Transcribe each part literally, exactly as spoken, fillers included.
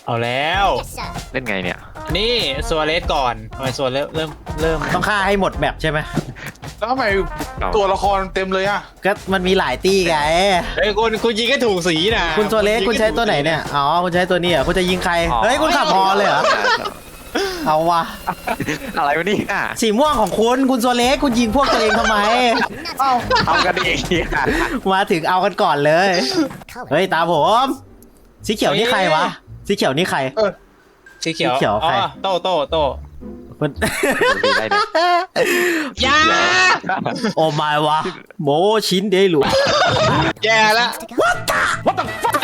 เอาแล้วเล่นไงเนี่ยนี่ซัวเรสก่อนทำไมซัวเริ่มเริ่มเริ่มต้องฆ่าให้หมดแมปใช่ไหมแล้วทำไมตัวละครเต็มเลยอ่ะก็มันมีหลายตี้ไงเฮ้ยคุณคุณยิงก็ถูกสีนะคุณซัวเรสคุณใช้ตัวไหนเนี่ยอ๋อคุณใช้ตัวนี้เหรอคุณจะยิงใครเฮ้ยคุณขับฮอเลยเหรอเอาวะอะไรวะนี่สีม่วงของคุณคุณซัวเรสคุณยิงพวกตัวเองทำไมเอากันเองมาถึงเอากันก่อนเลยเฮ้ยตาผมสีเขียวนี่ใครวะสีเขียวนี่ใครสีเขียวอ๋อโตโตโตคุณยาโอ้ไม่วะโมชินเดลุแย่แล้ว What the What the fuck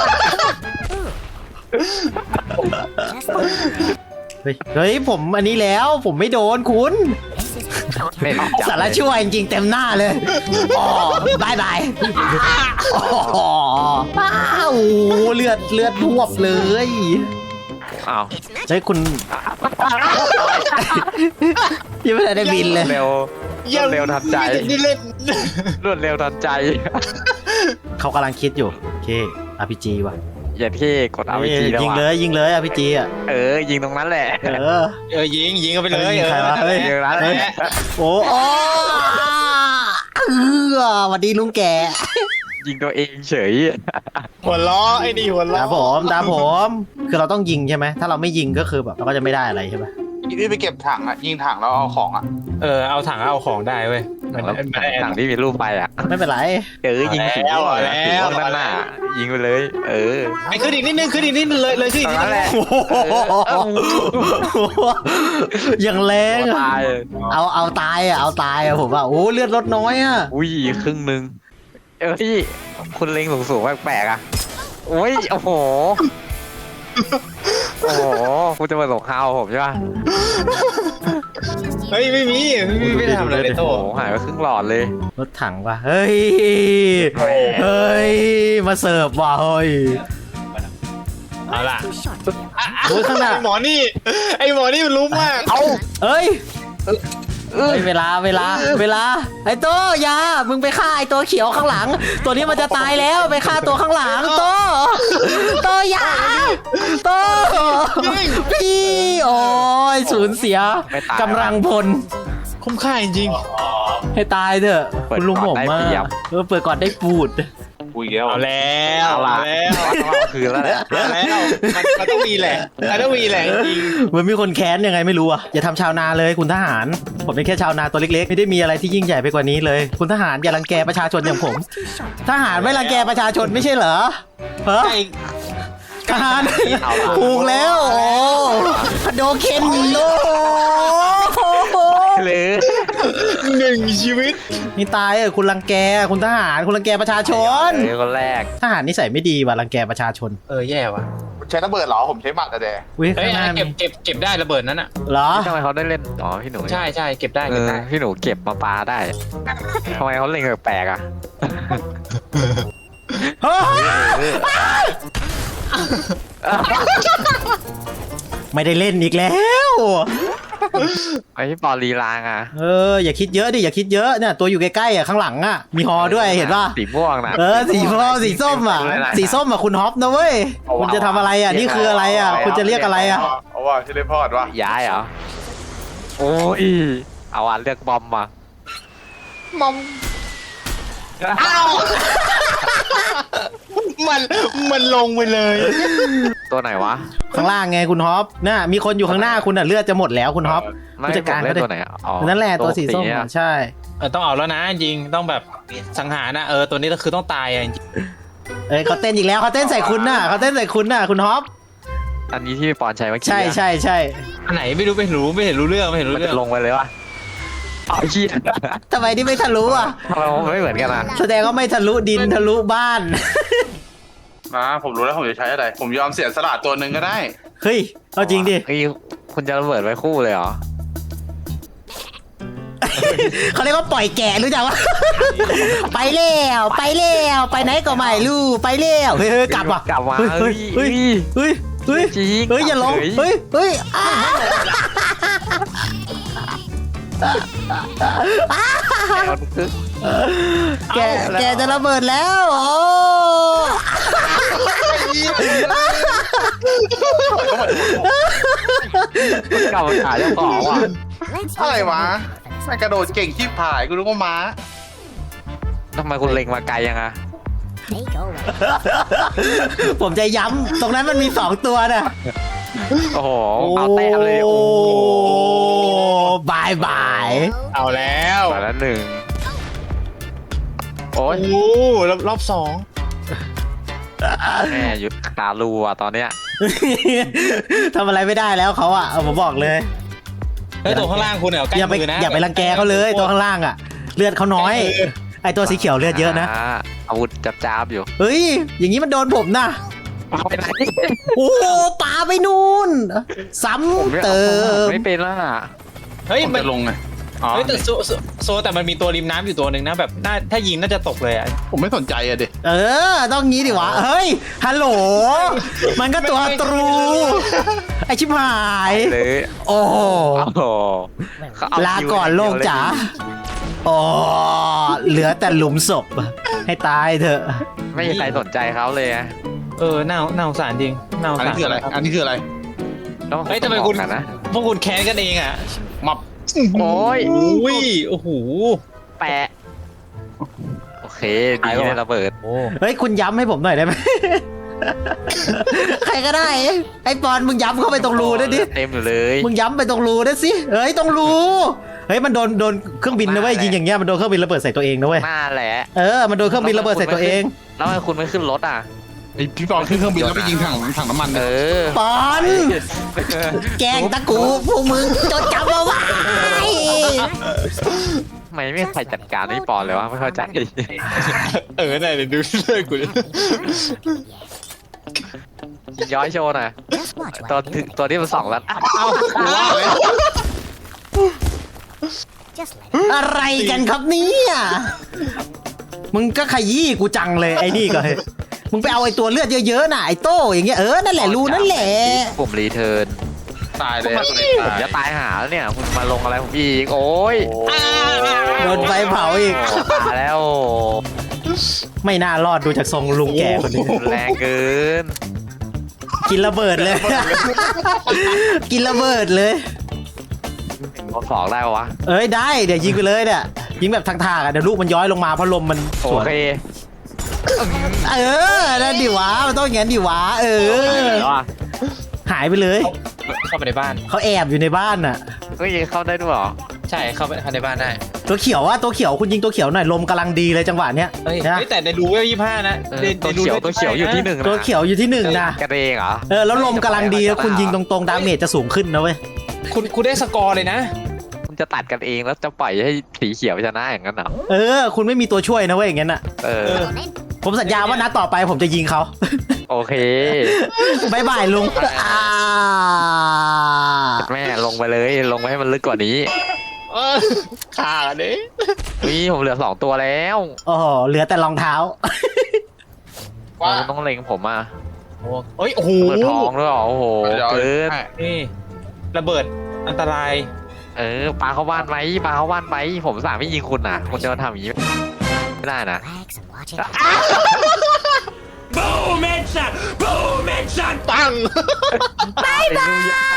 เฮ้ยเฮ้ยผมอันนี้แล้วผมไม่โดนคุณสารชั่วจริงๆเต็มหน้าเลยอ๋อบายบายอ๋อป้าวเลือดเลือดท่วมเลยอ้าวใช่คุณยังไม่ได้บินเลยเร็วรวดเร็วทันใจนี่เล่นรวดเร็วทันใจเขากำลังคิดอยู่โอเค อาร์ พี จี ว่ะอย่าที่กด อาร์ พี จี แล้วยิงเลยยิงเลย อาร์ พี จี อ่ะเออยิงตรงนั้นแหละเออเออยิงยิงกันไปเลยใครวะเฮ้ยโอ้โหเออสวัสดีลุงแกยิงตัวเองเฉยหัวล้อไอ้นี่หัวล้อตาผมตาผมคือเราต้องยิงใช่ไหมถ้าเราไม่ยิงก็คือแบบเราก็จะไม่ได้อะไรใช่ไหมนี่ไปเก็บถังอ่ะยิงถังแล้วเอาของอ่ะเออเอาถังเอาของได้เว้ยถังที่มีรูปไปอ่ะไม่เป็นไรเออยิงสีม่วงสีม่วงด้านหน้ายิงไปเลยเออไอ้ขึ้นอีกนิดนึงขึ้นอีกนิดนึงเลยเลยขึ้นอีกนิดนึงอย่างแรงเอาเอาตายอ่ะเอาตายอ่ะผมว่าโอ้เลือดลดน้อยอ่ะอุ้ยครึ่งนึงเออที่คุณเล็งสูงสูงแปลกๆอ่ะโอ้ยโอ้โหโอ้โหคุณจะมาส่งข่าวผมใช่ป่ะเฮ้ยไม่มีไม่มีไม่ทำอะไรเลยโตหายไปครึ่งหลอดเลยรถถังว่ะเฮ้ยเฮ้ยมาเสิร์ฟว่ะเฮ้ยเอาล่ะโอ้ยข้างหน้าไอหมอนี่ไอหมอนี่มันรู้มากเอาเอ้ยเวลาเวลาเวลาไอ้โตยามึงไปฆ่าไอ้ตัวเขียวข้างหลังตัวนี้มันจะตายแล้วไปฆ่าตัวข้างหลังโตโตยาโตพี่โอ้ยสูญเสียกำลังพลคุ้มค่าจริงให้ตายเถอะคุณลุงผมมาเออเปิดก่อนได้ปูดปุยแล้วเอาแล้วเอาแล้วคือแล้วแล้วมันต้องมีแหละมันต้องมีแหละจริงเหมือนมีคนแค้นยังไงไม่รู้อ่ะอย่าทำชาวนาเลยคุณทหารผมเป็นแค่ชาวนาตัวเล็กๆไม่ได้มีอะไรที่ยิ่งใหญ่ไปกว่านี้เลยคุณทหารอย่ารังแกประชาชนอย่างผมทหารไม่รังแกประชาชนไม่ใช่เหรอเฮ้ยทหารถูกแล้วโอ้โดเคนโลหรือหนึ่งชีวิตนี่ตายเออคุณรังแกคุณทหารคุณรังแกประชาชนคนแรกทหารนิสัยไม่ดีว่ะรังแกประชาชนเออแย่ว่ะใช้ระเบิดเหรอผมใช้หมัดแต่เฮ้ยเก็บเก็บเก็บได้ระเบิดนั้นอะเหรอทำไมเขาได้เล่นอ๋อพี่หนูใช่ใช่เก็บได้เออพี่หนูเก็บมาปาได้ทำไมเขาเล่นแปลกอ่ะไม่ได้เล่นอีกแล้วไอ้ปอลีลางอ่ะเอออย่าคิดเยอะดิอย่าคิดเยอะเนี่ยตัวอยู่ใกล้ๆอ่ะข้างหลังอ่ะมีฮอด้วยเห็นป่ะสีม่วงนะเออสีม่วงสีส้มอ่ะสีส้มอ่ะคุณฮอปนะเว้ยคุณจะทำอะไรอ่ะนี่คืออะไรอ่ะคุณจะเรียกอะไรอ่ะเอาว่าที่เล่นพอดวะย้ายเหรอโอ้ยเอาอ่ะเลือกบอมมาบอมอ้าวมันมันลงไปเลยตัวไหนวะข้างล่างไงคุณฮอปน่ะมีคนอยู่ข้างหน้าคุณอ่ะเลือดจะหมดแล้วคุณฮอปผู้จัดการเขาตัวไหนอ๋อนั่นแหละตัวสีส้มใช่เออต้องเอาแล้วนะจริงต้องแบบสังหารนะเออตัวนี้ก็คือต้องตายอ่ะจริงเอ้ยเขาเต้นอีกแล้วเขาเต้นใส่คุณน่ะเขาเต้นใส่คุณน่ะคุณฮอปอันนี้ที่ปอนใช้เมื่อกี้ใช่ใช่ใช่อันไหนไม่รู้ไม่รู้ไม่เห็นรู้เรื่องไม่เห็นรู้เรื่องลงไปเลยวะเอาขี้ทำไมที่ไม่ทะลุอ่ะเราไม่เหมือนกันอ่ะแสดงว่าไม่ทะลุดินทะลุบ้านมาผมรู้แล้วผมจะใช้อะไรผมยอมเสียสละตัวหนึ่งก็ได้เฮ้ยเอาจริงดิเฮ้ยคุณจะระเบิดไว้คู่เลยเหรอเขาเรียกว่าปล่อยแกะรู้จักวะไปแล้วไปแล้วไปไหนก็ไม่รู้ไปแล้วเฮ้ยกลับว่ะกลับมาเฮ้ยเฮ้ยเฮ้ยเฮ้ยเฮ้ยอย่าลงเฮ้ยเฮ้ยแกแกจะระเบิดแล้วโอ้ต้องมาดูเก่าขาเจ้าของว่ะอะไรวะแม่งกระโดดเก่งขี้ผายกูรู้ว่าม้าทำไมคุณเล็งมาไกลยังอะผมจะย้ำตรงนั้นมันมีสองตัวน่ะโอ้โหเอาแต้มเลยโอ้บายบายเอาแล้วมาแล้วหนึ่งโอ้ยโอ้รอบรอบสองแม่หยุดตาลูอ่ะตอนเนี้ยทำอะไรไม่ได้แล้วเขาอ่ะเอาผมบอกเลยเฮ้ยตัวข้างล่างคุณเนี่ยใกล้อย่าไปมือนะอย่าไปรังแกเขาเลยตัวข้างล่างอ่ะ เลือดเขาน้อย ไอตัวสีเขียวเลือดเยอะนะาอาวุธจับจ้าบอยู่เฮ้ย อย่างนี้มันโดนผมนะเอาไปไหนโอ้โหปาไปนู่น ซ้ผมไม่ำเติมไม่เป็นแล้วอ่ะเฮ้ยผมมันจะลงไงอ๋อเฮ้ยแต่โซโซโซแต่มันมีตัวริมน้ำอยู่ตัวหนึ่งนะแบบน่าถ้ายิงน่าจะตกเลยอ่ะผมไม่สนใจอะดิเออ ต้องงี้ดิวะ เฮ้ย ฮัลโหล มันก็ตัวตรู ไอชิบหายเลยโอ้โหโอ้โหเขเลาก่อนโลกจ๋าโอ้เหลือแต่หลุมศพ ให้ตายเถอะไม่มีใครสนใจเขาเลยอะเออน่าน่าสงสารจริงน่าสงอันสารนี้คืออะไร อันนี้คืออะไรต้องเฮ้ยทำไมคุณบอกกันนะพวกคุณแค้นกันเองอ่ะมับโอ้ยอุ้ยโอ้โหแปะโอเคดีเลยระเบิดโอ้เฮ้ย คุณย้ำให้ผมหน่อยได้ไหม ใครก็ได้ ไอ้ปอนมึงย้ำเข้าไปตรงรูด้วยดิเต็มอยู่เลยมึงย้ำไปตรงรูด้วยสิ เฮ้ย ตรงรู เฮ้ย มันโดนโดนเครื่องบินนะเว้ย ยิงอย่างเงี้ย มันโดนเครื่องบินระเบิดใส่ตัวเองนะเว้ยหน้าแหละเออ มันโดนเครื่องบินระเบิดใส่ตัวเองแล้วทำไมคุณไม่ขึ้นรถอ่ะไอพี่บอลขึ้นเครื่องบินแล้วไปยิงถังถังน้ำมันเอเลยอปอน แกล้งตะกูพวกมึงจดจำเอาไว้ทำไมไม่มีใครจัดการให้ปอนเลยวะไม่เข้าใจเออไหนเดี๋ยวดูเลิกกูดิย้อยโชว์หน่อยตัวที่ตัวที่มันสองแล้วเอ้ากูว่าเลยอะไรกันครับเนี่ยมึงก็ขยี้กูจังเลยไอ้นี่ก็เฮ้ยมึงไปเอาไอ้ตัวเลือดเยอะๆน่ะไอ้โต้อย่างเงี้ยเออนั่นแหละรูนั่นแหละผมรีเทิร์นตายเลยผมจะตายหาแล้วเนี่ยคุณมาลงอะไรผมอีกโอ้ยโดนไฟเผาอีกโอ้ตายแล้วไม่น่ารอดดูจากทรงลุงแก่คนนี้แรงเกินกินระเบิดเลย กินระเบิดเลยเอาสองได้ปะวะเอ้ยได้เดี๋ยวยิงไปเลยเนี่ยยิงแบบทางๆอ่ะเดี๋ยวลูกมันย้อยลงมาเพราะลมมันสโอวนเคเออนั่นดิวะมันต้องอย่างนั้นดิวะเออแล้วอ่ะหายไปเลยเข้าไปในบ้านเขาแอบอยู่ในบ้านน่ะเฮ้ยเข้าได้ด้วยเหรอใช่เข้าไปเข้าในบ้านได้ตัวเขียวอะตัวเขียวคุณยิงตัวเขียวหน่อยลมกำลังดีเลยจังหวะเนี้ยเฮ้ยนะเฮ้ยแต่ในรูเวลยี่ห้านะเออในตัวในรูเขียวลตัวเขียวอยู่ที่หนึ่งนะตัวเขียวอยู่ที่หนึ่งนะกระเดงเหรอเออแล้วลมกำลังดีแล้วคุณยิงตรงๆดาเมจจะสูงขึ้นนะเว้ยคุณคุณได้สกอร์เลยนะคุณจะตัดกันเองแล้วจะปล่อยให้สีเขียวชนะอย่างนั้นเหรอเออ คุณไม่มีตัวช่วยนะเว้ยอย่างงั้นอ่ะเออผมสัญญาว่านัดต่อไปผมจะยิงเขาโอเคบายบายลุงอ่าแม่ลงไปเลยลงไปให้มันลึกกว่านี้เออขาดเลยนี่ผมเหลือสองตัวแล้วโอ้โหเหลือแต่รองเท้าว่าเราต้องเล็งผมอ่ะโอ้เอ้ยโอ้โหเปิดทองด้วยเหรอโอ้โหเกินนี่ระเบิดอันตรายเออปลาเข้าบ้านไหมปลาเข้าบ้านไหมผมสามไม่ยิงคุณนะคุณจะมาทำอย่างนี้ไม่ได้นะปังบายบาย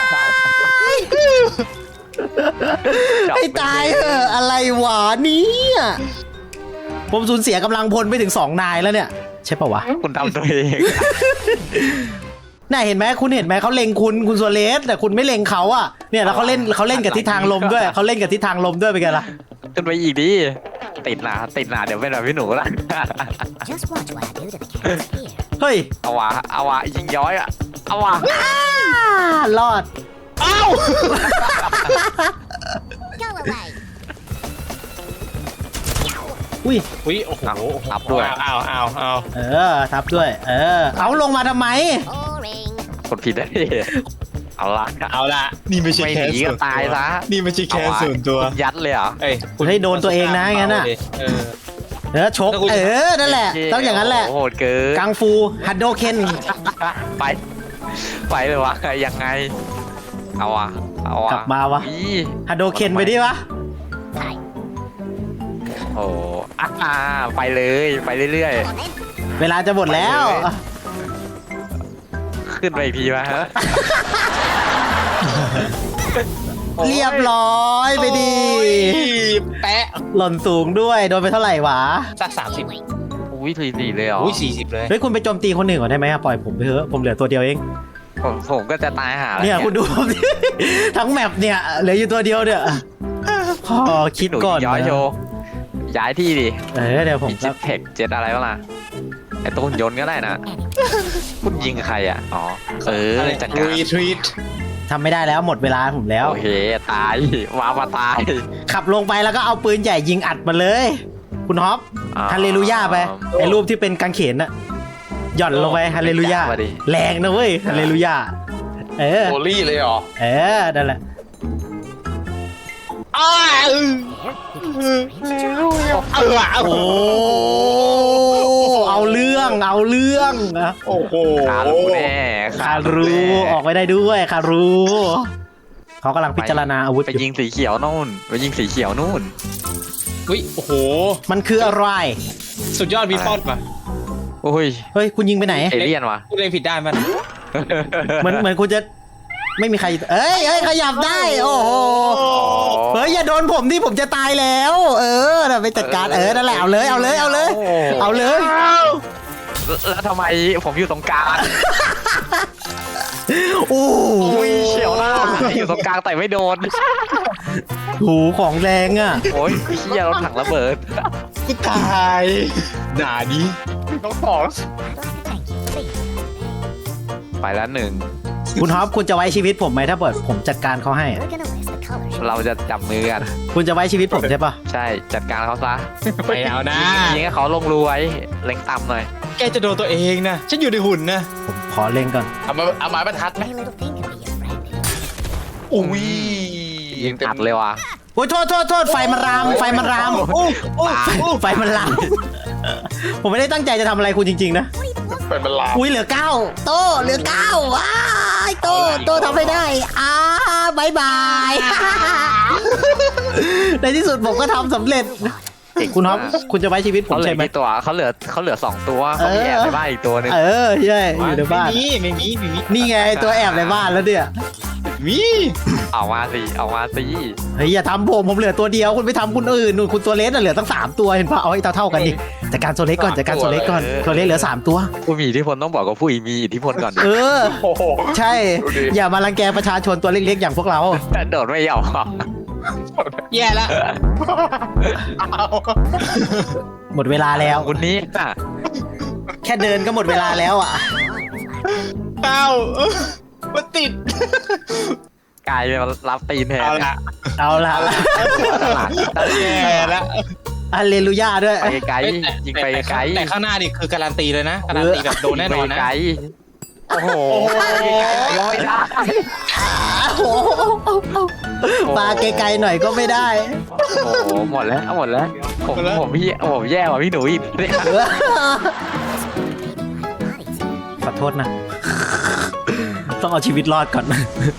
ให้ตายเถอะอะไรวะเนี่ยผมสูญเสียกำลังพลไปถึงสองนายแล้วเนี่ย ใช่ปะวะคุณทำตัวเองน่าเห็นไหมคุณเห็นไหมเขาเล็งคุณคุณโซเลสแต่คุณไม่เล็งเขาอ่ะเนี่ยแล้วเขาเล่นเขาเล่นกับทิศทางลมด้วยเขาเล่นกับทิศทางลมด้วยเป็นไงล่ะขึ้นไปอีกดิติดหนาติดหนาเดี๋ยวเป็นแบบพี่หนูละ Just watch what I do to the cats here. เฮ้ยเอาวะเอาวะยิงย้อยอะเอาวะอ่ารอดอ้าว Go away. อุ้ยอุ้ยโอ้โหทับด้วยอ้าวอ้าวอ้าวเออทับด้วย เออ เอาลงมาทำไม Boring. กดผิดได้ดิเอาละเอาละนี่ไม่ใช่ไม่แค่หนีก็ตายซะนี่ไม่ใช่แค่ส่วนตัวยัดเลยเหรอเอ้ยคุณเฮ้ยโดนตัวเองนะงั้นน่ะเออเออชก เออ นั่นแหละ ต้องอย่างนั้นแหละโหดเกินกังฟูฮัดโดเคนไปไปเลยวะยังไง เอาวะเอาวะกลับมาวะอีฮัดโดเคนไปดิวะ Hi. โอ้อ่าไปเลยไปเรื่อย Come on then. เวลาจะหมดแล้วๆขึ้นไปอีกทีมาฮะเรียบร้อยไปดีแปะหล่นสูงด้วยโดนไปเท่าไหร่วะสักสามสิบอุ้ยสี่สี่เลยเหรออุ้ยสี่สิบเลยเฮ้ยคุณไปโจมตีคนหนึ่งก่อนได้ไหมอะปล่อยผมไปเถอะผมเหลือตัวเดียวเองผมผมก็จะตายหาแล้วเนี่ยคุณดูผมดิ ทั้งแมปเนี่ยเหลืออยู่ตัวเดียวเนี่ยพอคิดหนูก่อนย้อยโชนะว์ย้ายที่ดิเออเดี๋ยวผมมีจะเจ็ตเทคเจ็ตอะไรบ้างล่ะไอตัวหุ่นยนต์ก็ได้นะคุณยิงใครอ่ะอ๋อเออจัดการรีทรีตทำไม่ได้แล้วหมดเวลาผมแล้วโอเคตายว้าวมาตายขับลงไปแล้วก็เอาปืนใหญ่ยิงอัดมาเลย คุณฮอปอ่าฮาเลลูยาไปไอ้รูปที่เป็นกางเขนน่ะหย่อนลงไปฮาเลลูยามาดิแรงนะเว้ยฮาเลลูยาเออโอลี่เลยเหรอเออนั่นแหละอ้าเออ There, you can strange joy. เออโอ้เอาเรื่องเอาเรื่องนะโอ้โหคารู้แน่คารู้ออกไปได้ด้วยคารู้เขากำลังพิจารณาอาวุธไปอยู่ยิงสีเขียวนู่นไปยิงสีเขียวนู่นอุ้ยโอ้โหมันคืออะไรสุดยอดวีฟอนป่ะโอ้ยเฮ้ยคุณยิงไปไหนเอเลี่ยนวะพูดเองผิดได้มันเหมือนเหมือนคุณจะไม่มีใครเอ้ยเอ้ยขยับได้ โอ้โหเฮ้ยอย่าโดนผมที่ผมจะตายแล้ว เออน่ะไปจัดการเออนั่นแหละเอาเลยเอาเลยเอาเลย เอาเลยแล้วทำไมผมอยู่ตรงกลางโอ้อุ้ยเฉียวหน้าอยู่ตรงกลางแต่ไม่โดนโหของแรงอ่ะโอ้ยเฮียรถถังระเบิดกูตายหนาดีต้องสองไปแล้วหนึ่งคุณฮอปคุณจะไว้ชีวิตผมไหมถ้าเกิดผมจัดการเขาให้อะ We're gonna list the colors. เราจะจับมือกันคุณจะไว้ชีวิตผมใช่ปะใช่จัดการเขาซะไม่เอานะยิงให้เขาลงรูไว้เล็งต่ำหน่อยแกจะโดนตัวเองนะ ฉันอยู่ในหุ่นนะผมขอเล่งก่อนเอามาเอาไม้บรรทัดไหม Any little thing can be your friend. อุ้ยยิงอัดเลยว่ะโอ้ยโทษโทษโทษไฟมันรามไฟมันรามโอ้โอ้ไฟไฟมันรามผมไม่ได้ตั้งใจจะทำอะไรคุณจริงๆนะเป็นบรรลาอุ้ยเหลือเก้าโตเหลือเก้าว้ายโตโตทำไม่ได้อ้าบายบาย ในที่สุดผมก็ทำสำเร็จ คุณฮอปคุณจะไว้ชีวิตผมเขาเหลืใช่อไหมกี่ตัวเขาเหลือเขาเหลือสองตัวเขามีแอบในบ้านอีกตัวหนึงเออใช่อยู่ในบ้านไม่มีไม่มีไม่มีนี่ไงตัวแอบในบ้านแล้วเนี่ยมีเอามาสิเอามาสิเฮ้ยอย่าทำผมผมเหลือตัวเดียวคุณไปทำคุณอื่นนู่นคุณตัวเล็กน่ะเหลือตั้งสามตัวเห็นปะเอาให้เท่าเท่าๆกันดิจัดการตัวเล็กก่อนจัดการตัวเล็กก่อนตัวเล็กเหลือสามตัวผู้มีอิทธิพลต้องบอกกับผู้มีอิทธิพลก่อนเออโอ้โหใช่ดูดิอย่ามารังแกประชาชนตัวเล็กๆอย่างพวกเราแต่โดดไม่ยอมแย่ละหมดเวลาแล้วคุณนี้อ่ะแค่เดินก็หมดเวลาแล้วอ่ะเต้ามันติดกลายเป็นรับตีนแทนเอาละเอาละแย่ละอัลเลลูยาด้วยไปไกลยิงไปไกลแต่ข้างหน้านี่คือการันตีเลยนะ การันตีแบบโดนแน่นอนนะไกลโอ้โหยังไม่ได้โอ้โหมาไกลๆหน่อยก็ไม่ได้โอ้โหหมดแล้วหมดแล้วผมผมพี่ผมแย่กว่าพี่หนูอีกเนี่ยขอโทษนะ ต้องเอาชีวิตรอดก่อน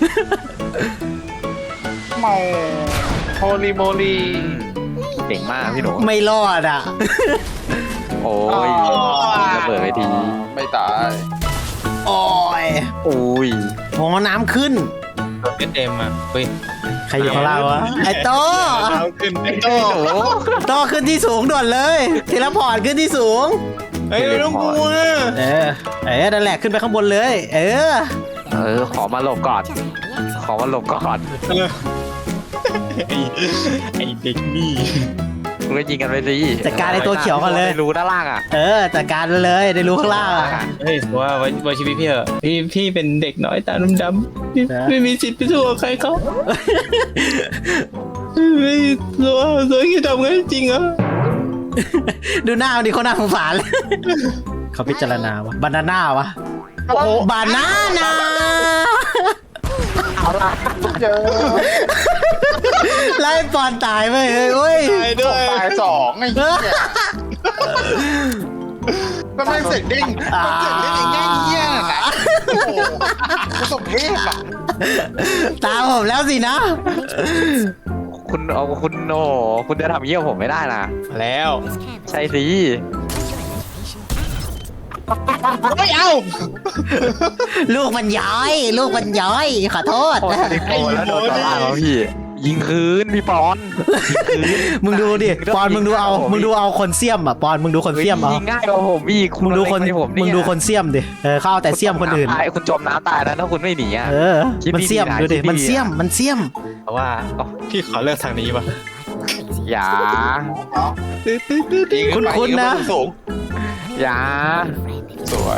เมาโฮลีโมลีเก่งมากพี่หนูไม่รอดอ่ะโอ้ยระเบิดไปทีไม่ตายโอ้ยอุ้ยโหน้ำขึ้นเอสเอ็มอ่ะเฮ้ยใครอยู่ข้างล่างวะ ไอ้โตเอาขึ้นไอ้โตหนูโตขึ้นที่สูงด่วนเลยเทเลพอร์ตขึ้นที่สูงเฮ้ยไม่ต้องกลัวเออ เออนั่นแหละขึ้นไปข้างบนเลย เออเออขอมาหลบก่อน ขอมาหลบก่อนเออไอ้ไอ้เด็กนี่คุณก็ยิงกันไปสิจัดการไอ้ตัวเขียวก่อนเลยไม่รู้ด้านล่างอ่ะเออจัดการเลยได้รู้ข้างล่างอะเฮ้ยว่าไว้ไว้ชีวิตพี่เหอะพี่พี่เป็นเด็กน้อยตาดำๆพี่นะไม่มีสิทธิ์ไปสู้กับใครเขาไม่รู้ตัวคิดทำไงจริงเหรอดูหน้ามันดิเขาหน้าสงสารเลย เขาพิจารณาวะบานาน่าวะโอ้โหบานาน่าเจอไล่ปอนตายไปเฮ้ยเว้ยตายด้วยตายสองไอ้เหี้ยก็ไม่เสร็จเด้งมันเสร็จเด้งอย่างเงี้ยเงี้ยน่ะโอ้โหกูสมเพศอ่ะตามผมแล้วสินะคุณเอาคุณโอ้คุณจะทำเยี่ยมผมไม่ได้นะแล้ว This canvas. ใช่สิไม่เอาลูกมันย้อย ลูกมันย้อย ขอโทษโอ้ยโดนแล้วโดนต่อล่างแล้วพี่ ยิงคืนพี่ปอนยิงคืนมึงดูดิ ปอนมึงดูเอา มึงดูเอาคนเสียมอ่ะ ปอนมึงดูคนเสียมเอายิงง่ายกว่าผมอีกมึงดูคนเล็ผมมึงดูคนเสียมดิ เออเข้าเอาแต่เสียมคนอื่นตายคุณจมน้ำตายแล้วถ้าคุณไม่หนีอ่ะเออคิดมันดีๆเสียมนะดูดิคิดดีๆมันเสียม มันเสียมเพราะว่าพี่ขอเลือกทางนี้ป่ะอย่าคุ้นๆนะสูงอย่าสวย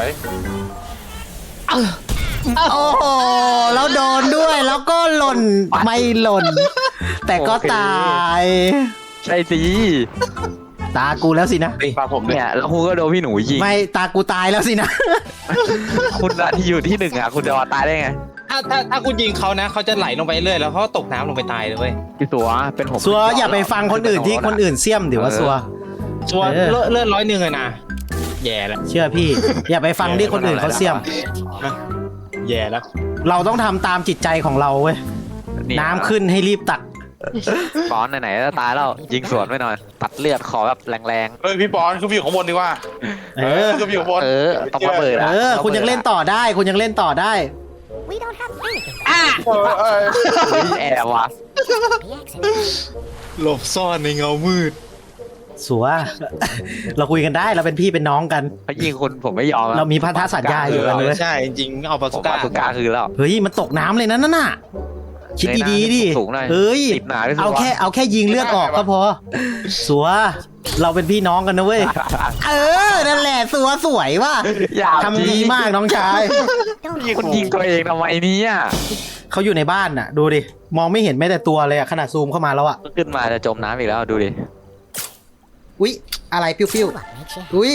โอ้โห แล้วโดนด้วย แล้วก็หล่น ไม่หล่น แต่ก็ตายใช่สิตากูแล้วสินะปลาผมเลยเนี่ยแล้วคุณก็โดนพี่หนูยิงไม่ ตากูตายแล้วสินะคุณอะที่อยู่ที่หนึ่งอ่ะคุณจะมาตายได้ไงถ้าถ้าถ้าคุณยิงเขานะเขาจะไหลลงไปเรื่อยแล้วเขาตกน้ำลงไปตายเลยเว้ยพี่ตัวเป็นผมซัวอย่าไปฟังคนอื่นที่คนอื่นเสียมดิว่าซัวชัวร์เออเลือดเลือดร้อยหนึ่งเลยนะแย่แล้วเชื่อพี่ อย่าไปฟังที่คนอื่นเขาเสียมแย่แล้วเราต้องทำตามจิตใจของเราเว้ย น้ำขึ้นให้รีบตักปอนไหนๆจะตายแล้วยิงสวนไปหน่อย ตัดเลือดขอแบบแรงเฮ้ยพี่ปอนคือพี่อยู่ข้างบนดีกว่าเออคือพี่อยู่ข้างบนๆ เออต้องระเบิดเออะอ คุณยังเล่นต่อได้ คุณยังเล่นต่อได้ We don't have anything เออเออเฮ้ยแอบวะ but the exit. หลบซ่อนในเงามืดสัว เราคุยกันได้ เราเป็นพี่เป็นน้องกันเขายิงคุณผมไม่ยอมอะเรามีพันธสัญญาอยู่กันเลยใช่จริงๆเอาปาผสุมก้าว่าสุก้าคือแล้วเฮ้ย มันตกน้ำเลยนะนั่นน่ะ คิดดีๆดิสูงหน่อยเฮ้ยติดหนาด้วยสิวะเอาแค่เอาแค่ยิงเลือดออกก็พอ สัว เราเป็นพี่น้องกันนะเว้ย เออ นั่นแหละ สัวสวยว่ะอย่าทำดีมากน้องชายยิงคุณยิงตัวเองทำไมเนี่ยเขาอยู่ในบ้านน่ะ ดูดิ มองไม่เห็นแม้แต่ตัวเลยอะขนาดซูมเข้ามาแล้วอะขึ้นมาจะจมน้ำอีกแล้วดูดิอุ๊ย อะไรปิ้ว What makes you ๆอุ๊ย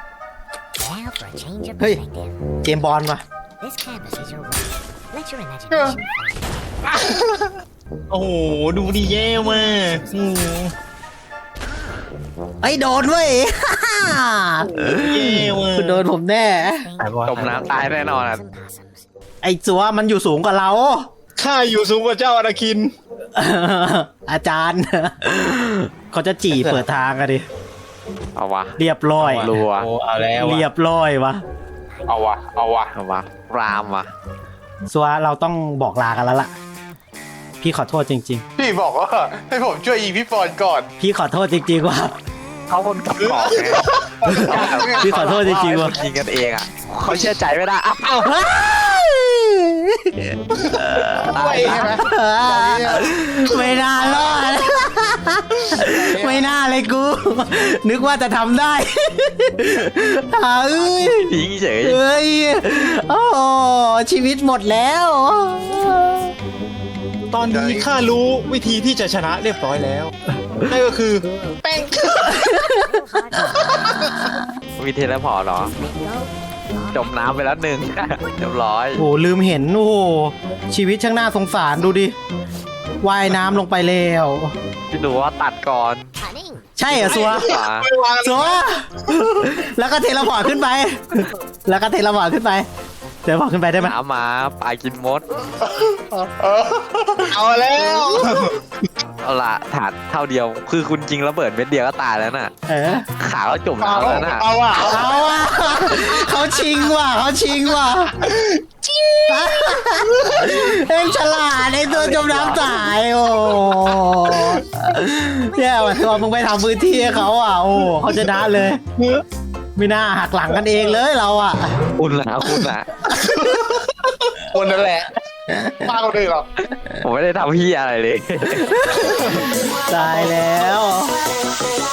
now for a change of Hey. perspective? เจมส์บอลว่ะ This canvas is your world. Let your imagination find โอ้โหดูดีแย่มากอืมไอ้ยโดนเว้ยแย่มากคุณโดนผมแน่ things จมน้ำตายแน่นอนอะ and possums. ไอ้สัวมันอยู่สูงกว่าเราข้าอยู่สูงกว่าเจ้าอนาคินอาจารย์ เขาจะจี่เปิดทางอะดิเอาวะเรียบร้อยรัวโอ้เอาแล้วเรียอะบร้อยวะเอาวะเอาวะเอาวะรามวะสัวเราต้องบอกลากันแล้วล่ะ พี่ขอโทษจริงพี่บอกว่าให้ผมช่วยยิงพี่ปอนก่อนๆ พี่ขอโทษจริงๆว่าเขาคนกับกอกไงพี่ขอโทษจริงๆว่ะยิงกันเองอ่ะเขาเชื่อใจไม่ได้อ้าวตายใช่ไหมไม่น่ารอด ไม่น่าเลยกู นึกว่าจะทำได้เอ้ยยิงเฉยเอ้ย โอ้ชีวิตหมดแล้วตอนนี้ข้ารู้วิธีที่จะชนะเรียบร้อยแล้วนั่นก็คือแป้งมีเทเลพอร์ตเหรอ จมน้ำไปแล้วหนึ่ง เรียบร้อยโอ้ลืมเห็น โอ้โหชีวิตช่างน่าสงสารดูดิ ว่ายน้ำลงไปแล้วพี่ดูว่าตัดก่อน Cunning. ใช่เหรอซัวขวาซัว แล้วก็เทเลพอร์ตขึ้นไป แล้วก็เทเลพอร์ตขึ้นไปเทเลพอร์ตขึ้นไปได้ไหมน้ำมาปลากินมดเอาแล้วเอาละถาดเท่าเดียว คือคุณจริงระเบิดเม็ดเดียวก็ตายแล้วน่ะเออขาก็จมน้ำแล้วน่ะเอาวะเอาว่ะเขาชิงว่ะเขาชิงว่ะเอ็งฉลาดไอ้ตัวจมน้ำตายโอ้แย่ว่ะตัวมึงไปทำพื้นที่ให้เขาอ่ะโอ้เขาจะได้เลย ไม่น่าหักหลังกันเองเลยเราอ่ะคุณนะคุณนะคนนั่นแหละมากกว่านี้หรอผมไม่ได้ทำพี่อะไรเลยตายแล้ว Thank